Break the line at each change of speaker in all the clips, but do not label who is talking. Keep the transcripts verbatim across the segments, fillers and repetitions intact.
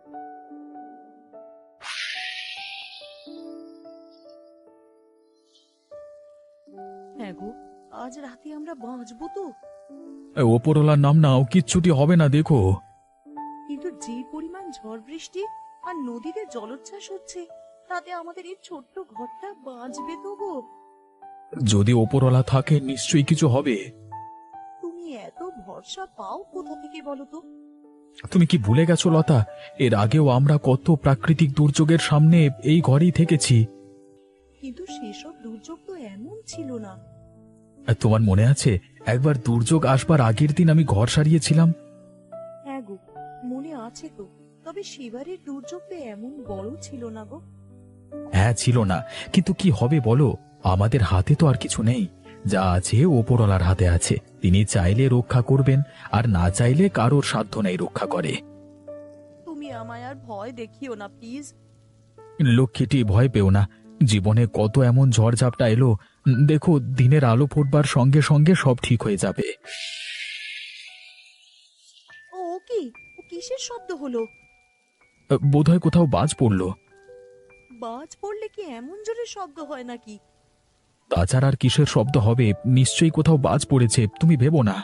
হ্যাঁ গো, আজ রাতে আমরা বাঁচবো তো?
এ, ওপরওয়ালার নাম নাও, কিচ্ছুটি হবে না দেখো।
কিন্তু যে পরিমাণ ঝড় বৃষ্টি আর নদীতে জলোচ্ছ্বাস হচ্ছে, তাতে আমাদের এই ছোট্ট ঘরটা বাঁচবে তো গো?
যদি ওপরওয়ালা থাকে নিশ্চয়ই কিছু হবে।
তুমি এত ভরসা পাও কোথা থেকে বলো তো?
তুমি কি ভুলে গেছো লতা, এর আগেও আমরা কত প্রাকৃতিক দুর্যোগের সামনে এই ঘরেই থেকেছি।
কিন্তু সেসব দুর্যোগ তো এমন ছিল না।
আর তোমার মনে আছে একবার দুর্যোগ আসবার আগের দিন আমি ঘর সারিয়েছিলাম?
হ্যাঁ গো, মনে আছে তো। তবে সেবারের দুর্যোগ তো এমন বড় ছিল না গো।
হ্যাঁ ছিল না, কিন্তু কি হবে বলো, আমাদের হাতে তো আর কিছু নেই। যা আছে ওপরওয়ালার হাতে আছে, তিনি চাইলে রক্ষা করবেন, আর না চাইলে কারোর সাধ্য নেই রক্ষা করে।
তুমি আমায় আর ভয় দেখিও না প্লিজ।
লক্ষ্মীটি ভয় পেও না, জীবনে কত এমন ঝড়ঝাপটা এলো, দেখো দিনের আলো ফুটবার সঙ্গে সঙ্গে সব ঠিক হয়ে যাবে।
ও ও কি, ও কিসের শব্দ হলো?
বোধহয় কোথাও বাজ পড়ল।
বাজ পড়লে কি এমন জোরে শব্দ হয় নাকি?
তাছাড়া আর কিসের শব্দ হবে, নিশ্চয়ই কোথাও বাজ পড়েছে, তুমি ভেবো না।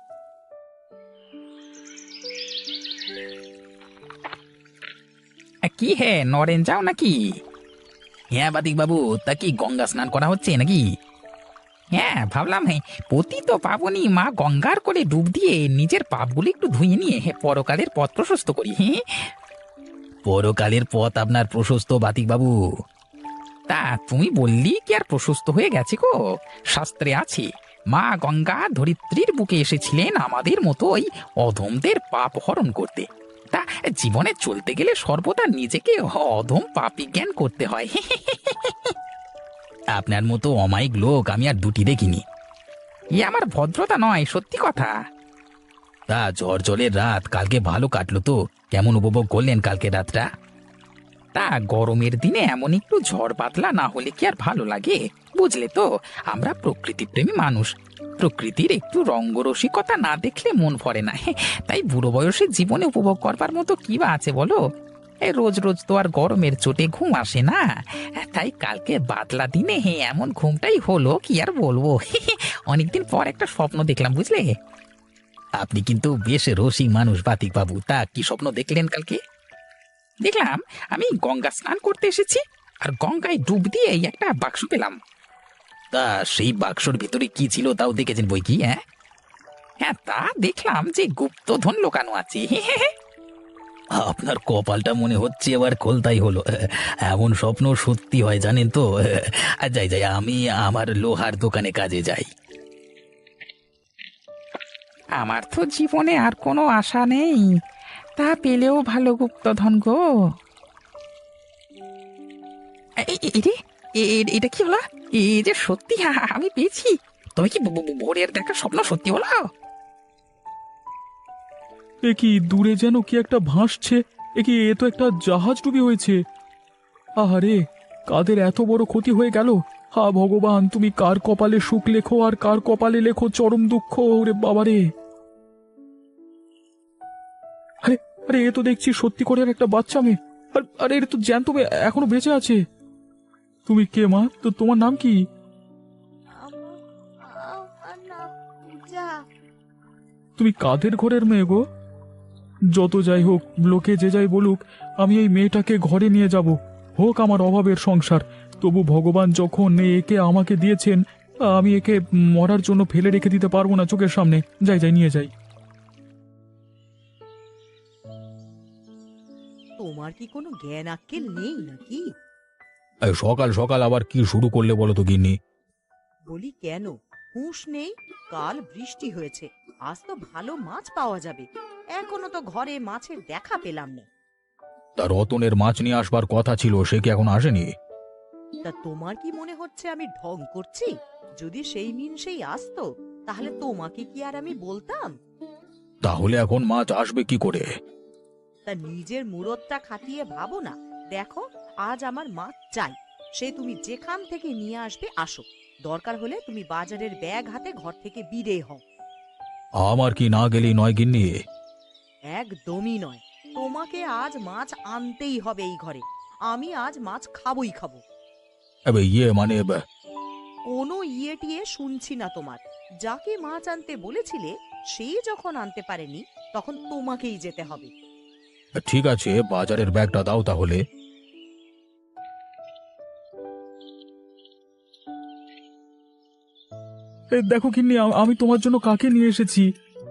কি হে নরেন যাও নাকি? হ্যাঁ বাতিক বাবু, তা কি গঙ্গা স্নান করা হচ্ছে নাকি? হ্যাঁ ভাবলাম, হ্যাঁ পতিত পাবনী মা গঙ্গার করে ডুব দিয়ে নিজের পাপগুলি একটু ধুয়ে নিয়ে হে পরকালের পথ প্রশস্ত করি। হ্যাঁ, পরকালের পথ আপনার প্রশস্ত বাতিক বাবু? তা তুমি বললি কি আর প্রশস্ত হয়ে গেছে গো? শাস্ত্রে আছে মা গঙ্গা ধরিত্রীর বুকে এসেছিলেন আমাদের মতো ওই অধমদের পাপ হরণ করতে। তা জীবনে চলতে গেলে সর্বদা নিজেকে অধম পাপী জ্ঞান করতে হয়। আপনার মতো অমায়িক লোক আমি আর দুটি দেখিনি। ই আমার ভদ্রতা নয়, সত্যি কথা। তা ঝড় জলের রাত কালকে ভালো কাটলো তো? কেমন উপভোগ করলেন কালকে রাতটা? তা গরমের দিনে এমন একটু ঝড় বাদলা না হলে কি আর ভালো লাগে? বুঝলে তো, আমরা প্রকৃতি প্রেমী মানুষ, প্রকৃতির একটু রঙ্গরসিকতা না দেখলে মন ভরে না। তাই বুড়ো বয়সে জীবনে উপভোগ করবার মতো কি বা আছে বলো? এই রোজ রোজ তো আর গরমের চোটে ঘুম আসে না, তাই কালকে বাদলা দিনে হে এমন ঘুমটাই হলো, কি আর বলবো। অনেকদিন পর একটা স্বপ্ন দেখলাম, বুঝলে? আপনি কিন্তু বেশ রসিক মানুষ বাতিক বাবু, তা কি স্বপ্ন দেখলেন কালকে? দেখলাম আমি গঙ্গা স্নান করতে এসেছি, আর গঙ্গায় ডুব দিয়ে এই একটা বাক্স পেলাম। তা সেই বাক্সর ভিতরে কি ছিল তাও দেখেছেন বই কি? হ্যাঁ হ্যাঁ, তা দেখলাম যে গুপ্তধন লোকানো আছে। আপনার কপালটা মনে হচ্ছে এবার খোলতাই হলো, এমন স্বপ্ন সত্যি হয় জানেন তো। আর যাই যাই, আমি আমার লোহার দোকানে কাজে যাই। আমার তো জীবনে আর কোনো আশা নেই, তা পেলেও ভালো গুপ্তধন গো। এ- এ- এ রে, এ- এ- এটা কি হলো? এই যে সত্যি আ- আমি পেয়েছি, তবে কি ভ- ভ- ভোরের দেখা স্বপ্ন সত্যি হলো?
এ কি দূরে যেন কি একটা ভাসছে, এ কি, এ তো একটা জাহাজ ডুবি হয়েছে। আহারে, কাদের এত বড় ক্ষতি হয়ে গেল। হা ভগবান, তুমি কার কপালে সুখ লেখো আর কার কপালে লেখো চরম দুঃখ, ওরে বাবারে। আরে আরে, এ তো দেখছি সত্যি করে একটা বাচ্চা মেয়ে। আর আরে, এর তো জ্যান্ত মেয়ে এখনো বেঁচে আছে। তুমি কে মা? তো তোমার নাম কি?
আমার আমার নাম পূজা।
তুমি কাদের ঘরের মেয়ে গো? যত যাই হোক, লোকে যে যাই বলুক, আমি এই মেয়েটাকে ঘরে নিয়ে যাব, হোক আমার অভাবের সংসার। তবু ভগবান যখন একে আমাকে দিয়েছেন, আমি একে মরার জন্য ফেলে রেখে দিতে পারবো না চোখের সামনে। যাই যাই, নিয়ে যাই।
তোমার কি কোনো জ্ঞান আক্কেল নেই নাকি?
সকাল সকাল আবার কি শুরু করলে বলো তো গিন্নি?
বলি কেন, হুঁশ নেই? কাল বৃষ্টি হয়েছে, আজ তো ভালো মাছ পাওয়া যাবে। এখনো তো ঘরে মাছের দেখা পেলাম না।
তা রতনের মাছ নিয়ে আসবার কথা ছিল, সে কি এখন আসেনি?
তা তোমার কি মনে হচ্ছে আমি ঢং করছি? যদি সেই মিন সেই আসতো, তাহলে তোমাকে কি আর আমি বলতাম?
তাহলে এখন মাছ আসবে কি করে?
তা নিজের মুরতটা খাটিয়ে ভাবো না। দেখো, আজ আমার মাছ চাই, সে তুমি যেখান থেকে নিয়ে আসবে আসো। দরকার হলে তুমি বাজারের ব্যাগ হাতে ঘর থেকে বিদে হও।
আমার কি না গেলেই নয় গিন্নি?
একদমই নয়। তোমাকে আজ মাছ আনতেই হবে এই ঘরে। আমি আজ মাছ খাবই খাবো।
এবে ইয়ে মানে এবে,
কোনো ইয়ে টিয়ে শুনছি না তোমার। যাকে মাছ আনতে বলেছিলে সেই যখন আনতে পারেনি, তখন তোমাকেই যেতে হবে।
ঠিক আছে বাজারের ব্যাগটা দাও তাহলে।
এই দেখো গিন্নি, আ- আমি তোমার জন্য কাকে নিয়ে এসেছি।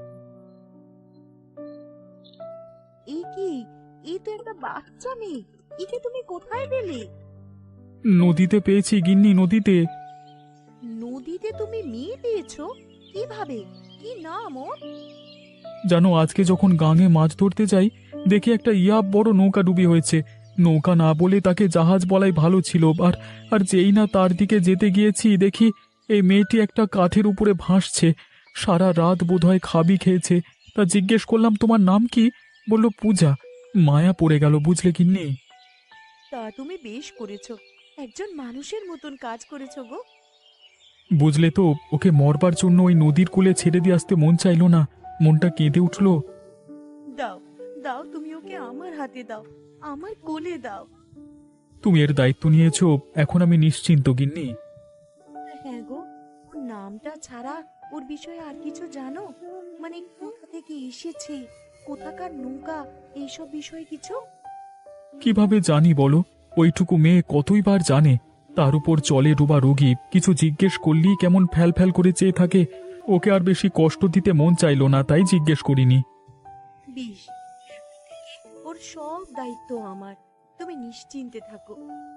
এই কি? এই তো একটা বাচ্চা মেয়ে। একে তুমি কোথায় পেলে?
নদীতে পেয়েছি গিন্নি, নদীতে।
নদীতে তুমি মেয়ে পেয়েছো? কিভাবে? কি নাম ওর?
জানো, আজকে যখন গাঙে মাছ ধরতে যাই, দেখি একটা ইয়া বড় নৌকা ডুবি হয়েছে। নৌকা না বলে তাকে জাহাজ বলাই ভালো ছিল। আর আর যেই না তার দিকে যেতে গিয়েছি, দেখি এই মেয়েটি একটা কাঠের উপরে ভাসছে। সারা রাত বোধহয় খাবি খেয়েছে। তা জিজ্ঞেস করলাম, তোমার নাম কি? বলল পূজা। মায়া পড়ে গেল, বুঝলে কিন্নি।
তা তুমি বেশ করেছো। একজন মানুষের মতন কাজ করেছো গো।
বুঝলে তো, ওকে মরবার জন্য ওই নদীর কূলে ছেড়ে দিয়ে আসতে মন চাইলো না। মনটা কেঁদে উঠলো।
দাও, দাও, তুমি ওকে আমার হাতে দাও, আমার কোলে দাও।
তুমি এর দায়িত্ব নিয়েছো, এখন আমি নিশ্চিন্ত গিন্নি।
হ্যাঁ গো, ওর নামটা ছাড়া ওর বিষয়ে আর কিছু জানো? মানে কোথা থেকে এসেছে, কোথাকার নৌকা, এইসব বিষয়ে কিছু?
কিভাবে জানি বলো? ওইটুকু মেয়ে কতই বার জানে। তার উপর চলে ডোবা রোগী, কিছু জিজ্ঞেস করলেই কেমন ফ্যাল ফ্যাল করে চেয়ে থাকে। ওকে আর বেশি কষ্ট দিতে মন চাইলো না, তাই জিজ্ঞেস করিনি।
বেশ, ওর সব দায়িত্ব আমার। তুমি নিশ্চিন্তে থাকো।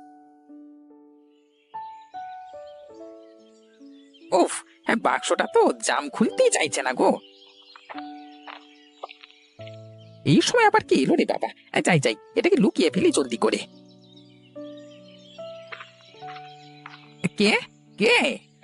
উফ, হ্যাঁ বাক্সটা তো জাম খুলতেই চাইছে না গো। এই সময় আবার কি এলো রে বাবা। আহ, যাই যাই, এটাকে লুকিয়ে ফেলি জলদি করে। কে কে?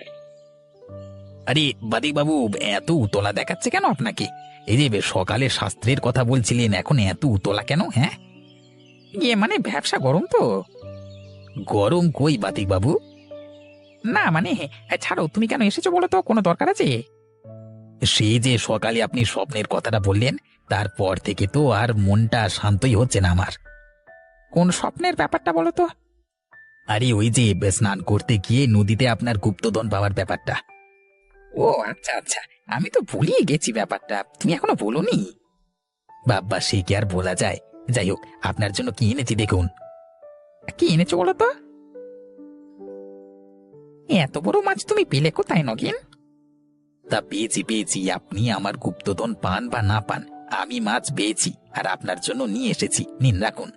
আরে বাদিক বাবু, এত উতলা দেখাচ্ছে কেন আপনাকে? এই যে বে- সকালে শাস্ত্রের কথা বলছিলেন, এখন এত উতলা কেন? হ্যাঁ, ইয়ে মানে ব্যবসা গরম তো। গরম কই বাতিক বাবু? না মানে, আহ, ছাড়ো, তুমি কেন এসেছো বলো তো, কোনো দরকার আছে? সে যে সকালে আপনি স্বপ্নের কথাটা বললেন, তারপর থেকে তো আর মনটা শান্তই হচ্ছে না আমার। কোন স্বপ্নের ব্যাপারটা বলো তো? আরে ওই যে স্নান করতে গিয়ে নদীতে আপনার গুপ্তধন পাওয়ার ব্যাপারটা। ও আচ্ছা আচ্ছা, আমি তো ভুলিয়ে গেছি ব্যাপারটা, তুমি এখনো বলোনি। বাবা, সে কি আর বলা যায়। যাই হোক, আপনার জন্য কি এনেছি দেখুন। কি এনেছো বলো তো? এত বড় মাছ তুমি পেলে কোথায় নগেন? তা পেয়েছি পেয়েছি, আপনি আমার গুপ্তধন পান বা না পান, আমি মাছ পেয়েছি আর আপনার জন্য নিয়ে এসেছি, নিন রাখুন।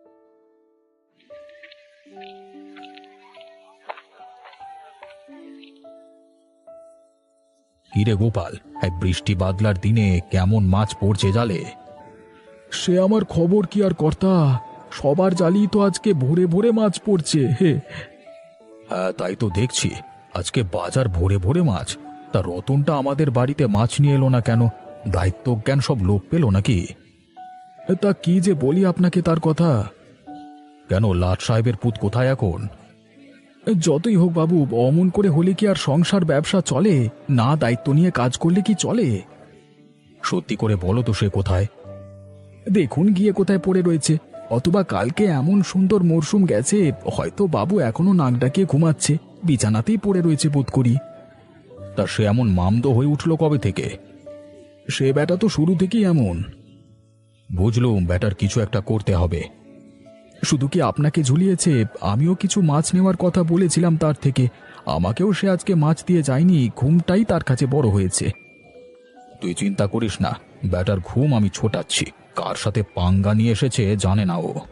কিরে গোপাল, এই বৃষ্টি বাদলার দিনে কেমন মাছ পড়ছে জালে?
সে আমার খবর কি আর কর্তা! সবার জালই তো আজকে ভোরে ভোরে মাছ পড়ছে হে।
হ্যাঁ তাই তো দেখছি, আজকে বাজার ভরে ভরে মাছ। তা রতনটা আমাদের বাড়িতে মাছ নিয়ে এলো না কেন? দায়িত্ব জ্ঞান সব লোপ পেল নাকি?
তা কি যে বলি আপনাকে তার কথা।
কেন, লাট সাহেবের পুত কোথায় এখন?
যতই হোক বাবু, অমন করে হলে কি আর সংসার ব্যবসা চলে? না দায়িত্ব নিয়ে কাজ করলে কি চলে?
সত্যি করে বলো তো, সে কোথায়?
দেখুন গিয়ে কোথায় পড়ে রয়েছে। অথবা কালকে এমন সুন্দর মরশুম গেছে, হয়তো বাবু এখনো নাক ডাকিয়ে ঘুমাচ্ছে, বিছানাতেই পড়ে রয়েছে বোধ করি।
তা সে এমন মামদো হয়ে উঠল কবে থেকে?
সে ব্যাটা তো শুরু থেকেই এমন।
বুঝলুম, ব্যাটার কিছু একটা করতে হবে।
শুধু কি আপনাকে ঝুলিয়েছে? আমিও কিছু মাছ নেওয়ার কথা বলেছিলাম তার থেকে। আমাকেও সে আজকে মাছ দিয়ে যায়নি, ঘুমটাই তার কাছে বড় হয়েছে।
তুই চিন্তা করিস না, ব্যাটার ঘুম আমি ছোটাচ্ছি। কার সাথে পাঙ্গা নিয়ে এসেছে জানে না ও।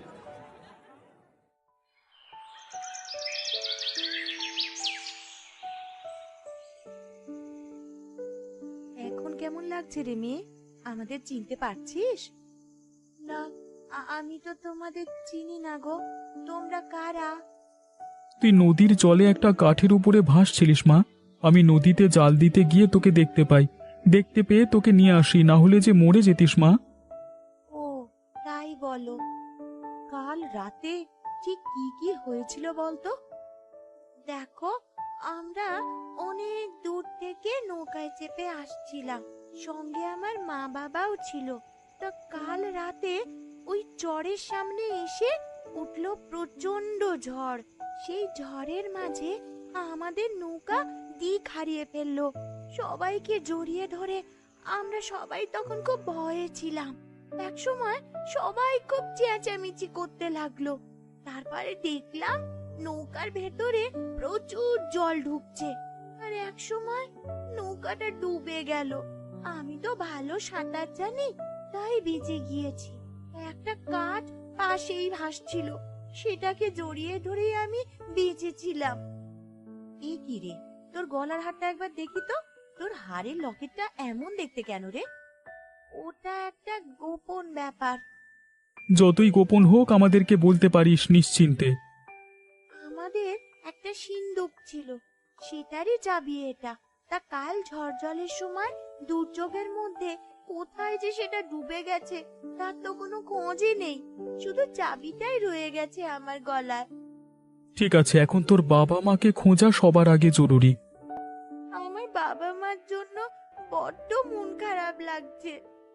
এখন কেমন লাগছে রে মেয়ে? আমাদের চিনতে পারছিস? না, আ- আমি তো তোমাদের চিনি না গো। তোমরা কারা?
তুই নদীর জলে একটা কাঠের উপরে ভাসছিলিস মা। আমি নদীতে জাল দিতে গিয়ে তোকে দেখতে পাই। দেখতে পেয়ে তোকে নিয়ে আসি, না হলে যে মরে যেতিস মা।
ও, তাই বলো। কাল রাতে ঠিক কি কি হয়েছিল বলতো? দেখো, আমরা অনেক দূর থেকে নৌকায় চেপে আসছিলাম, সঙ্গে আমার মা বাবাও ছিল। তা কাল রাতে
চরের সামনে এসে উঠল প্রচন্ড ঝড়। সেই ঝড়ের মাঝে আমাদের নৌকা দিক হারিয়ে ফেললো। সবাইকে জড়িয়ে ধরে আমরা সবাই তখন খুব ভয়ে ছিলাম। এক সময় সবাই খুব চেঁচামেচি করতে লাগলো। তারপরে দেখলাম নৌকার ভেতরে প্রচুর জল ঢুকছে, আর এক সময় নৌকাটা ডুবে গেল। আমি তো ভালো সাঁতার জানি, তাই বেঁচে গিয়েছি। একটা কাঠ পাশেই ভাসছিল, সেটাকে জড়িয়ে ধরে আমি বেঁচেছিলাম।
এ কি রে, তোর গলার হারটা একবার দেখি তো। তোর হাড়ের লকেটটা এমন দেখতে কেন রে?
ওটা একটা গোপন ব্যাপার।
যতই গোপন হোক আমাদেরকে বলতে পারিস নিশ্চিন্তে।
আমাদের একটা সিন্দুক ছিল, সেটারই চাবি এটা। তা কাল ঝড় জলের সময় দুর্যোগের মধ্যে কোথায় যে সেটা ডুবে গেছে তার তো কোনো খোঁজই নেই, শুধু চাবিটাই রয়ে গেছে আমার গলায়।
ঠিক আছে, এখন তোর বাবা মাকে খোঁজা সবার আগে জরুরি।
আমার বাবা মার জন্য বড্ড মন খারাপ লাগছে।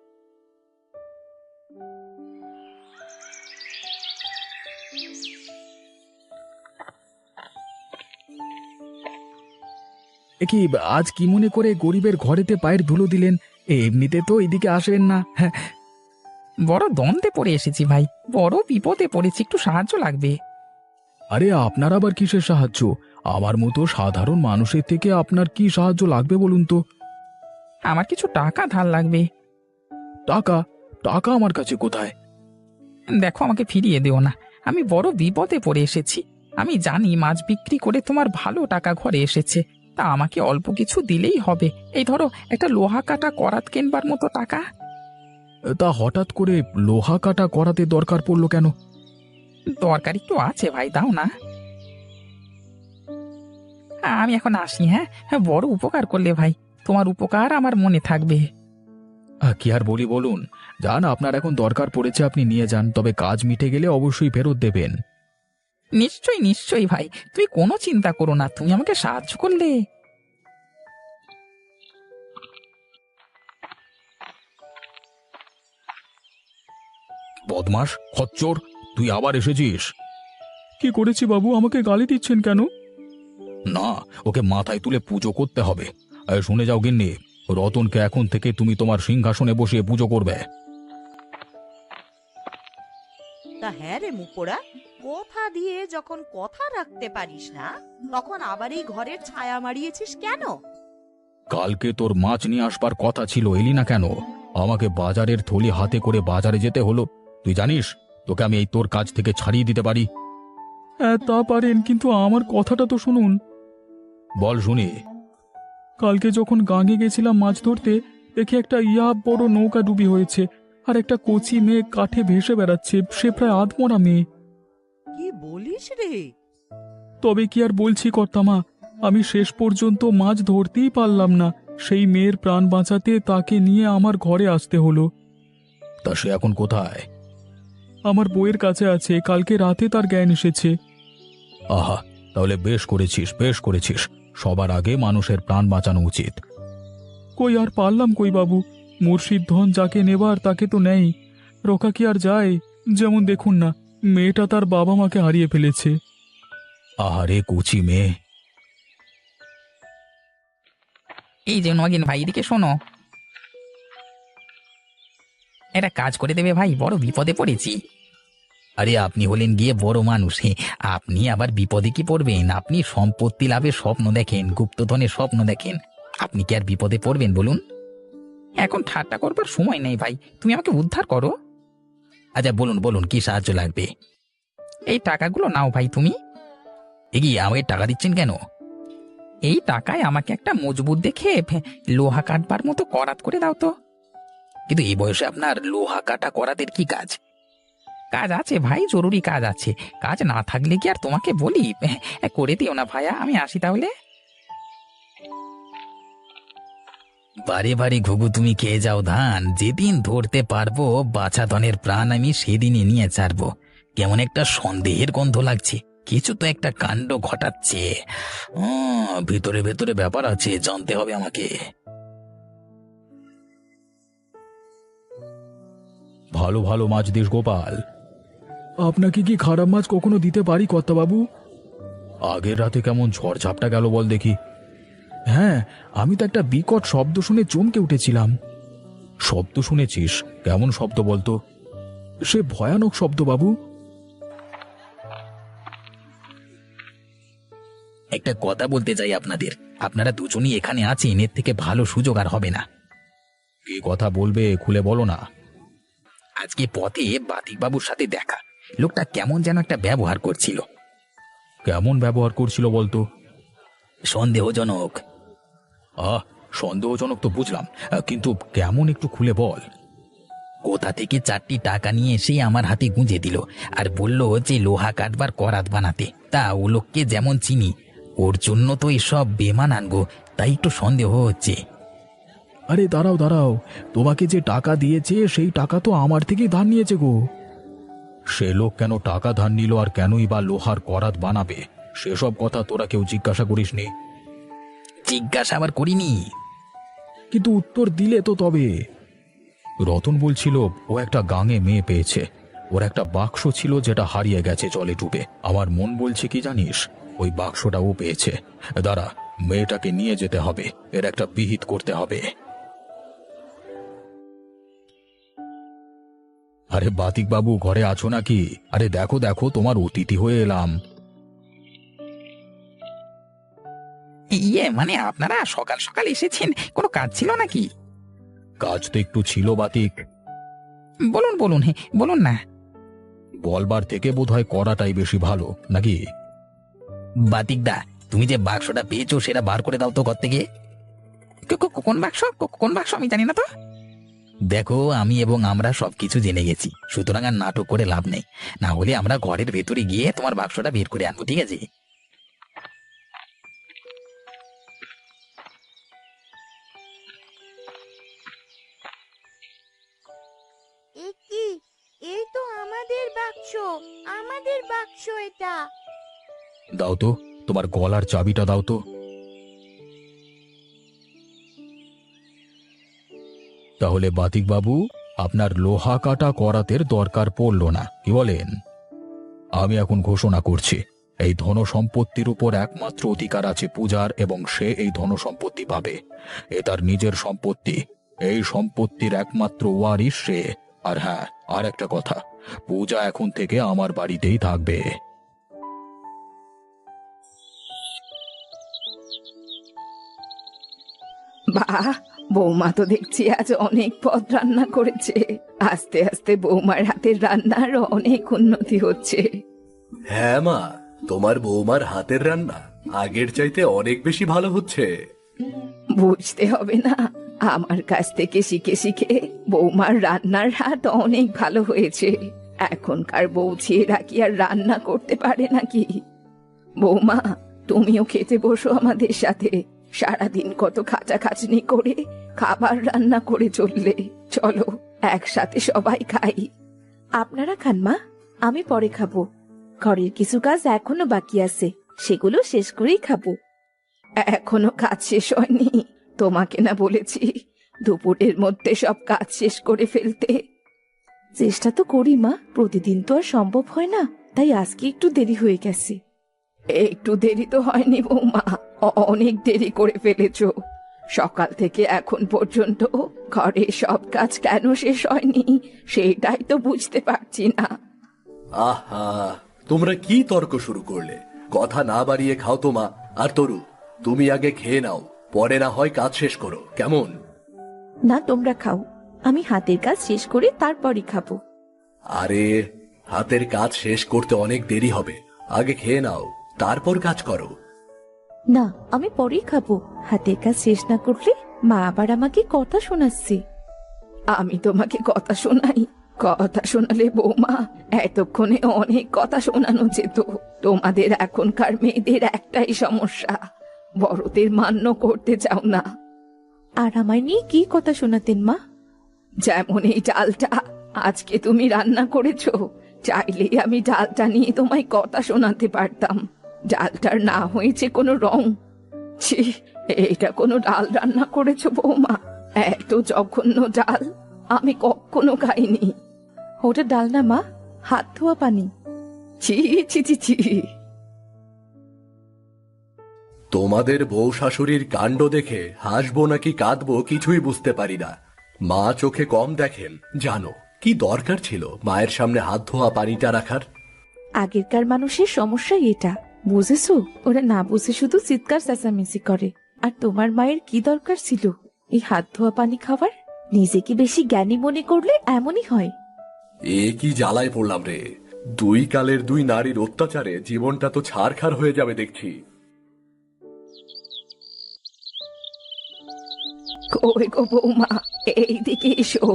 এ কি আজ কি মনে করে গরিবের ঘরেতে পায়ের ধুলো দিলেন? এমনিতে তো এদিকে আসবেন না। হ্যাঁ, বড় দ্বন্দ্বে পড়ে এসেছি ভাই, বড় বিপদে পড়েছি, একটু সাহায্য লাগবে। আরে আপনার আবার কিসের সাহায্য? আমার মতো সাধারণ মানুষের থেকে আপনার কি সাহায্য লাগবে বলুন তো? আমার কিছু টাকা ধার লাগবে। টাকা? টাকা আমার কাছে কোথায়? দেখো, আমাকে ফিরিয়ে দিও না, আমি বড় বিপদে পড়ে এসেছি। আমি জানি মাছ বিক্রি করে তোমার ভালো টাকা ঘরে এসেছে, তা আমাকে অল্প কিছু দিলেই হবে। এই ধরো একটা লোহা কাটা করাত কেনবার মতো টাকা। তা হঠাৎ করে লোহা কাটা করাতে দরকার পড়লো কেন? দরকার একটু আছে ভাই, দাও না। আমি এখন আসি। হ্যাঁ হ্যাঁ, বড় উপকার করলে ভাই, তোমার উপকার আমার মনে থাকবে। কি আর বলি বলুন, যান, আপনার এখন দরকার পড়েছে আপনি নিয়ে যান, তবে কাজ মিটে গেলে অবশ্যই ফেরত দেবেন। নিশ্চয়ই নিশ্চয়ই ভাই, তুমি কোনো চিন্তা করো না, তুমি আমাকে সাহায্য করলে। বদমাস, খচ্চর, তুই আবার এসেছিস?
কি করেছি বাবু, আমাকে গালি দিচ্ছেন কেন?
না, ওকে মাথায় তুলে পুজো করতে হবে। এই, শুনে যাও গিন্নি, রতনকে এখন থেকে তুমি তোমার সিংহাসনে বসিয়ে পুজো করবে।
তা হ্যাঁ রে মুখপোড়া, কথা দিয়ে যখন কথা রাখতে পারিস না, তখন আবার এই ঘরের ছায়া মারিয়েছিস কেন?
কালকে তোর মাছ নিয়ে আসবার কথা ছিল, এলি না কেন? আমাকে বাজারের থলি হাতে করে বাজারে যেতে হলো। তুই জানিস তোকে আমি এই তোর কাজ থেকে ছাড়িয়ে দিতে পারি।
হ্যাঁ তা পারেন, কিন্তু আমার কথাটা তো শুনুন।
বল শুনি।
কালকে যখন গাঙে গেছিলাম মাছ ধরতে, দেখে একটা ইয়া বড় নৌকা ডুবি হয়েছে, আর একটা কচি মেয়ে কাঠে ভেসে বেড়াচ্ছে, সে প্রায় আধমরা মেয়ে।
কি বলিস রে?
তবে কি আর বলছি কর্তামা, আমি শেষ পর্যন্ত মাছ ধরতেই পারলাম না। সেই মেয়ের প্রাণ বাঁচাতে তাকে নিয়ে আমার ঘরে আসতে হলো।
তা সে এখন কোথায়?
আমার বইয়ের কাছে আছে, কালকে রাতে তার জ্ঞান এসেছে।
আহা, তাহলে বেশ করেছিস, বেশ করেছিস। সবার আগে মানুষের প্রাণ বাঁচানো উচিত।
কই আর পারলাম কই বাবু, মুর্শিদ ধন যাকে নেবার তাকে তো নেই, রোকা কি আর যায়? যেমন দেখুন না, মেয়েটা তার বাবা মাকে হারিয়ে ফেলেছে।
আহারে কুচি মেয়ে। এই যে নগেন ভাই, এদিকে শোনো, এটা কাজ করে দেবে ভাই, বড় বিপদে পড়েছি। আরে আপনি হলেন গিয়ে বড় মানুষ, হে, আপনি আবার বিপদে কি পড়বেন? আপনি সম্পত্তি লাভের স্বপ্ন দেখেন, গুপ্তধনের স্বপ্ন দেখেন, আপনি কি আর বিপদে পড়বেন বলুন? এখন ঠাট্টা করবার সময় নেই ভাই, তুমি আমাকে উদ্ধার করো। আচ্ছা বলুন বলুন, কি সাহায্য লাগবে? এই টাকাগুলো নাও ভাই তুমি। এগিয়ে আমাকে টাকা দিচ্ছেন কেন? এই টাকায় আমাকে একটা মজবুত দেখে লোহা কাটবার মতো করাত করে দাও তো। কিন্তু এই বয়সে আপনার লোহা কাটা করাতের কি কাজ? কাজ আছে ভাই, জরুরি কাজ আছে, কাজ না থাকলে কি আর তোমাকে বলি? করে দিও না ভাইয়া, আমি আসি তাহলে। বারে বারে ঘুঘু তুমি খেয়ে যাও ধান, যেদিন ধরতে পারবো বাছা ধনের প্রাণ আমি সেদিনই নিয়ে ছাড়বো। কেমন একটা সন্দেহের গন্ধ লাগছে, কিছু তো একটা কাণ্ড ঘটাচ্ছে। ভিতরে ভেতরে ব্যাপার আছে, জানতে হবে আমাকে। ভালো ভালো মাছ দিস গোপাল।
আপনাকে কি খারাপ মাছ কখনো দিতে পারি কর্তাবাবু?
আগের রাতে কেমন ঝড় ঝাপটা গেল বল দেখি।
হ্যাঁ, আমি তো একটা বিকট শব্দ শুনে চমকে উঠেছিলাম।
শব্দ শুনেছিস? কেমন শব্দ বলতো?
সে ভয়ানক শব্দ বাবু।
একটা কথা বলতে চাই আপনাদের, আপনারা দুজনই এখানে আছেন, এর থেকে ভালো সুযোগ আর হবে না। কি কথা বলবে, খুলে বলো না। আজকে পথে বাতিকবাবুর সাথে দেখা, লোকটা কেমন যেন একটা ব্যবহার করছিল। কেমন ব্যবহার করছিল বলতো? সন্দেহজনক। আহ সন্দেহজনক তো বুঝলাম, কিন্তু কেমন একটু খুলে বল। কোথা থেকে চারটি টাকা নিয়ে এসে আমার হাতে গুঁজে দিল আর বলল যে লোহা কাটবার করাত বানাতে। তা ও লোককে যেমন চিনি, ওর জন্য তো এসব বেমান আনবো, তাই একটু সন্দেহ হচ্ছে।
আরে দাঁড়াও দাঁড়াও, তোমাকে যে টাকা দিয়েছে সেই টাকা তো আমার থেকেই ধার নিয়েছে গো।
সে লোক কেন টাকা ধার নিল আর কেনই বা লোহার করাত বানাবে, সেসব কথা তোরা কেউ জিজ্ঞাসা করিসনি? জিজ্ঞাসা আবার করিনি।
কিন্তু উত্তর দিলে তো তবে।
রতন বলছিল ও একটা গাঙে মেয়ে পেয়েছে, ওর একটা বাক্স ছিল যেটা হারিয়ে গেছে জলে ডুবে। আমার মন বলছে কি জানিস, ওই বাক্সটা ও পেয়েছে। দাঁড়া, মেয়েটাকে নিয়ে যেতে হবে, এর একটা বিহিত করতে হবে। আরে বাতিক বাবু, ঘরে আছো নাকি? আরে দেখো দেখো, তোমার অতিথি হয়ে এলাম। ইয়ে মানে আপনারা সকাল সকাল এসেছেন, কোনো কাজ ছিল নাকি? কাজ তো একটু ছিল বাতিক। বলুন বলুন, হ্যাঁ বলুন না। বলবার থেকে বোধহয় করাটাই বেশি ভালো নাকি? বাতিক দা, তুমি যে বাক্সটা পেয়েছো সেটা বার করে দাও তো ঘর থেকে। কোন বাক্স? কোন বাক্স আমি জানি না তো। দেখো, আমি এবং আমরা সবকিছু জেনে গেছি, সুতরাং আর নাটক করে লাভ নেই। না হলে আমরা ঘরের ভেতরে গিয়ে তোমার বাক্সটা বের করে আনবো, ঠিক আছে?
এ কি? এই তো আমাদের বাক্স, আমাদের বাক্স এটা।
দাও তো, তোমার গলার চাবিটা দাও তো। তাহলে বাতিক বাবু, আপনার লোহা কাটা করাতের দরকার পড়ল না, কি বলেন? আমি এখন ঘোষণা করছি, এই ধন সম্পত্তির উপর একমাত্র অধিকার আছে পূজার, এবং সে এই ধন সম্পত্তি পাবে। এ তার নিজের সম্পত্তি, এই সম্পত্তির একমাত্র ওয়ারিশ সে। আর হ্যাঁ, আর একটা কথা, পূজা এখন থেকে আমার বাড়িতেই থাকবে।
বাহ, বৌমা তো দেখছি আজ অনেক পদ রান্না করেছে। আস্তে আস্তে বৌমার হাতের রান্নার অনেক উন্নতি হচ্ছে।
হ্যাঁ মা, তোমার বৌমার হাতের রান্না আগের চাইতে অনেক বেশি ভালো হচ্ছে।
বুঝতে হবে না, আমার কাছ থেকে শিখে শিখে বৌমার রান্নার হাত অনেক ভালো হয়েছে। এখনকার বউ ছেলেরা কি আর রান্না করতে পারে নাকি? বৌমা, তুমিও খেতে বসো আমাদের সাথে। সারাদিন কত খাটাখাটনি করে খাবার রান্না করে চললে, চলো একসাথে সবাই খাই। আপনারা খান মা, আমি পরে খাবো। ঘরের কিছু কাজ এখনো বাকি আছে, সেগুলো শেষ করেই খাবো। এখনো কাজ শেষ হয়নি? তোমাকে না বলেছি দুপুরের মধ্যে সব কাজ শেষ করে ফেলতে? চেষ্টা তো করি মা, প্রতিদিন তো আর সম্ভব হয় না, তাই আজকে একটু দেরি হয়ে গেছে। একটু দেরি তো হয়নি বৌমা, অনেক দেরি করে ফেলেছো। সকাল থেকে এখন পর্যন্ত ঘরে সব কাজ কেন শেষ হয়নি সেটাই তো বুঝতে পারছি না।
আহা, তোমরা কি তর্ক শুরু করলে? কথা না বাড়িয়ে খাও তো মা। আর তরু, তুমি আগে খেয়ে নাও, পরে না হয় কাজ শেষ করো, কেমন?
না, তোমরা খাও, আমি হাতের কাজ শেষ করে তারপরই খাবো।
আরে, হাতের কাজ শেষ করতে অনেক দেরি হবে, আগে খেয়ে নাও, তারপর কাজ করো।
না, আমি পরেই খাবো। হাতের কাজ শেষ না করলে মা আবার আমাকে কথা শোনাচ্ছে। আমি তোমাকে কথা শোনাই? কথা শোনালে বৌমা এতক্ষণে অনেক কথা শোনানো যেত। তোমাদের এখনকার মেয়েদের একটাই সমস্যা, বড়দের মান্য করতে চাও না। আর আমায় নিয়ে কি কথা শোনাতেন মা? যেমন এই ডালটা আজকে তুমি রান্না করেছো, চাইলেই আমি ডালটা নিয়ে তোমায় কথা শোনাতে পারতাম। ডালটার না হয়েছে কোনো রং। ছি, এটা কোনো ডাল রান্না করেছো বৌমা? এত জঘন্য ডাল আমি কখনো খাইনি। ওটা ডাল না মা, হাত ধোয়া পানি। ছি ছি ছি ছি।
তোমাদের বউ শাশুড়ির কাণ্ড দেখে হাসবো নাকি কাঁদবো কিছুই বুঝতে পারি না। মা চোখে কম দেখেন জানো, কি দরকার ছিল মায়ের সামনে হাত ধোয়া পানিটা রাখার?
আগেরকার মানুষের সমস্যাই এটা, বুঝেছো? ওরা না বুঝে শুধু চিৎকার চেঁচামেচি করে। আর তোমার মায়ের কি দরকার ছিল এই হাত ধোয়া পানি খাবার? নিজেকে বেশি জ্ঞানী মনে করলে এমনই হয়।
এ কি জ্বালায় পড়লাম রে! দুই কালের দুই নারীর অত্যাচারে জীবনটা তো ছারখার হয়ে যাবে দেখছি।
কই গো বৌমা, এইদিকে এসো।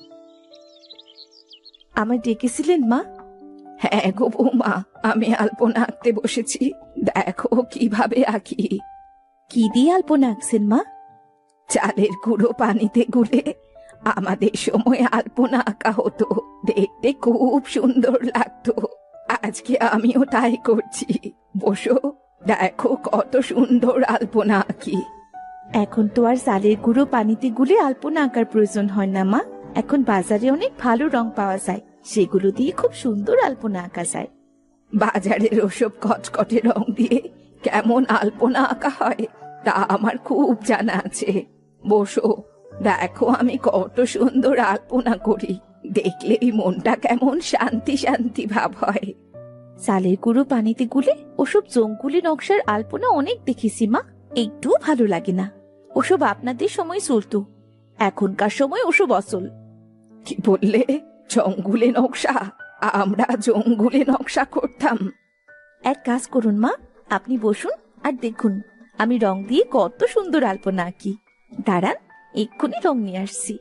আমায় ডেকেছিলেন মা? হ্যাঁ গো বৌমা, আমি আলপনা আঁকতে বসেছি, দেখো কিভাবে আঁকি। কি দিয়ে আলপনা আঁকছেন মা? চালের গুঁড়ো পানিতে গুলে আমাদের সময় আলপনা আঁকা হতো, দেখতে খুব সুন্দর লাগতো। আজকে আমিও তাই করছি, বসো দেখো কত সুন্দর আলপনা আঁকি। এখন তো আর চালের গুঁড়ো পানিতে গুলে আলপনা আঁকার প্রয়োজন হয় না মা, এখন বাজারে অনেক ভালো রং পাওয়া যায়, সেগুলো দিয়ে খুব সুন্দর আলপনা আঁকা যায়। বাজারের ওসব কচকটে রং দিয়ে কেমন আলপনা আঁকা হয় তা আমার খুব জানা আছে। বসো দেখো আমি কত সুন্দর আলপনা করি, দেখলেই মনটা কেমন শান্তি শান্তি ভাব হয়। চালের গুঁড়ো পানিতে গুলে ওসব জঙ্গুলি নকশার আলপনা অনেক দেখেছি মা, একটুও ভালো লাগে না। ওসব আপনাদের সময় চলতো, এখনকার সময় ওসব অচল। কি বললে? জঙ্গুলে নকশা? আমরা জঙ্গুলে নকশা করতাম? এক কাজ করুন মা, আপনি বসুন আর দেখুন আমি রং দিয়ে কত সুন্দর আলপনা আঁকি। দাঁড়ান, এক্ষুনি রং নিয়ে আসছি।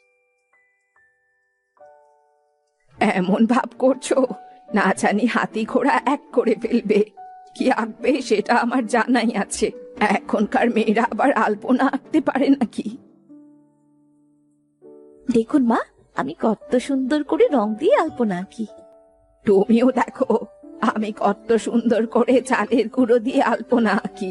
এমন ভাব করছো না জানি হাতি ঘোড়া এক করে ফেলবে। কি আঁকবে সেটা আমার জানাই আছে, এখনকার মেয়েরা আবার আলপনা আঁকতে পারে নাকি? দেখুন মা, আমি কত সুন্দর করে রং দিয়ে আলপনা আঁকি। তুমিও দেখো আমি কত সুন্দর করে চালের গুঁড়ো দিয়ে আলপনা আঁকি।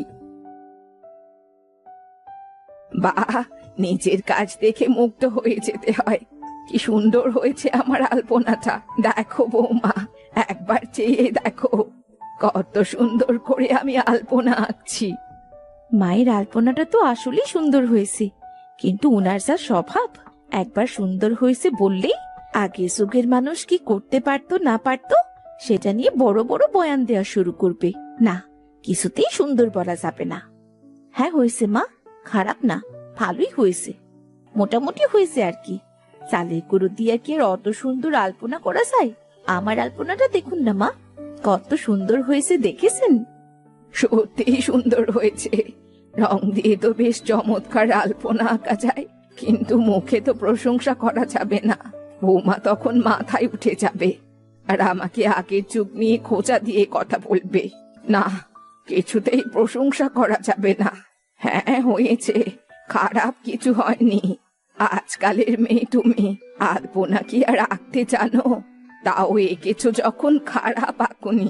বাহ, নিজের কাজ দেখে মুগ্ধ হয়ে যেতে হয়। কি সুন্দর হয়েছে আমার আলপনাটা, দেখো বৌমা, একবার চেয়ে দেখো কত সুন্দর করে আমি আলপনা আঁকছি। মায়ের আলপনাটা তো আসলেই সুন্দর হয়েছে, কিন্তু উনার যা স্বভাব, একবার সুন্দর হয়েছে বললেই আগের যুগের মানুষ কি করতে পারতো না পারতো সেটা নিয়ে বড় বড় বয়ান দেওয়া শুরু করবে। না, কিছুতেই সুন্দর বলা যাবে না। হ্যাঁ হয়েছে মা, খারাপ না, ভালোই হয়েছে, মোটামুটি হয়েছে আর কি। চালের গুঁড়ো দিয়ে কি আর অত সুন্দর আলপনা করা যায়? আমার আলপনাটা দেখুন না মা, কত সুন্দর হয়েছে, দেখেছেন? সত্যিই সুন্দর হয়েছে, রং দিয়ে তো বেশ চমৎকার আলপনা আঁকা যায়, কিন্তু মুখে তো প্রশংসা করা যাবে না, বৌমা তখন মাথায় উঠে যাবে আর আমাকে আগের যুগ নিয়ে খোঁচা দিয়ে কথা বলবে। না, কিছুতেই প্রশংসা করা যাবে না। হ্যাঁ হয়েছে, খারাপ কিছু হয়নি। আজকালের মেয়ে তুমি, আলপনা কি আর আঁকতে জানো? তাও এঁকেছো যখন, খারাপ আঁকুনি।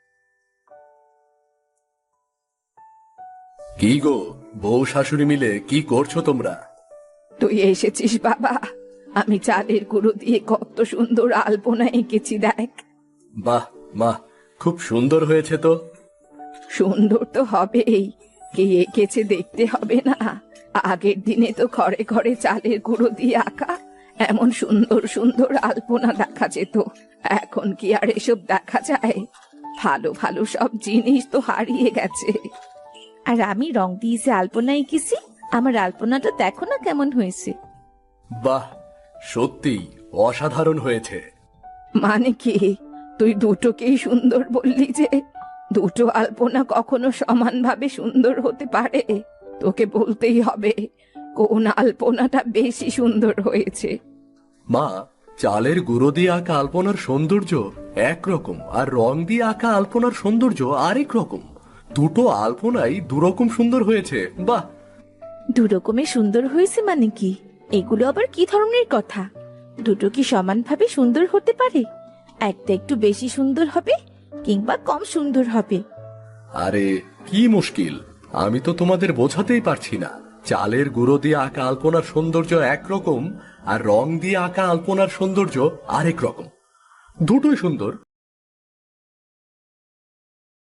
কি গো, বউ শাশুড়ি মিলে কি করছো তোমরা?
তুই এসেছিস বাবা, আমি চালের গুঁড়ো দিয়ে কত সুন্দর আলপনা এঁকেছি দেখ।
বাহ মা, খুব সুন্দর হয়েছে তো।
সুন্দর তো হবেই, কে এঁকেছে দেখতে হবে না? আগের দিনে তো ঘরে ঘরে চালের গুঁড়ো দিয়ে আঁকা এমন সুন্দর সুন্দর আলপনা দেখা যেত, এখন কি আর এসব দেখা যায়? ভালো ভালো সব জিনিস তো হারিয়ে গেছে। আর আমি রং দিয়ে যে আলপনা এঁকেছি, আমার আলপনাটা দেখো না কেমন হয়েছে।
বাহ, সত্যি অসাধারণ হয়েছে।
মানে কি, তুই দুটোকেই সুন্দর বললি যে? দুটো আলপনা কখনো সমানভাবে সুন্দর হতে পারে? তোকে বলতেই হবে কোন আলপনাটা বেশি সুন্দর হয়েছে।
মা, চালের গুঁড়ো দিয়ে আঁকা আলপনার সৌন্দর্য একরকম, আর রং দিয়ে আঁকা আলপনার সৌন্দর্য আরেক রকম। দুটো আলপনাই দুরকম সুন্দর হয়েছে। বাহ,
দুরকমের সুন্দর হয়েছে মানে কি? এগুলো আবার কি ধরনের কথা? দুটো কি সমানভাবে সুন্দর হতে পারে? একটা একটু বেশি সুন্দর হবে কিংবা কম সুন্দর হবে।
আরে কি মুশকিল, আমি তো তোমাদের বোঝাতেই পারছি না। চালের গুঁড়ো দিয়ে আঁকা আলপনার সৌন্দর্য একরকম, আর রং দিয়ে আঁকা আলপনার সৌন্দর্য আরেক রকম। দুটোই সুন্দর।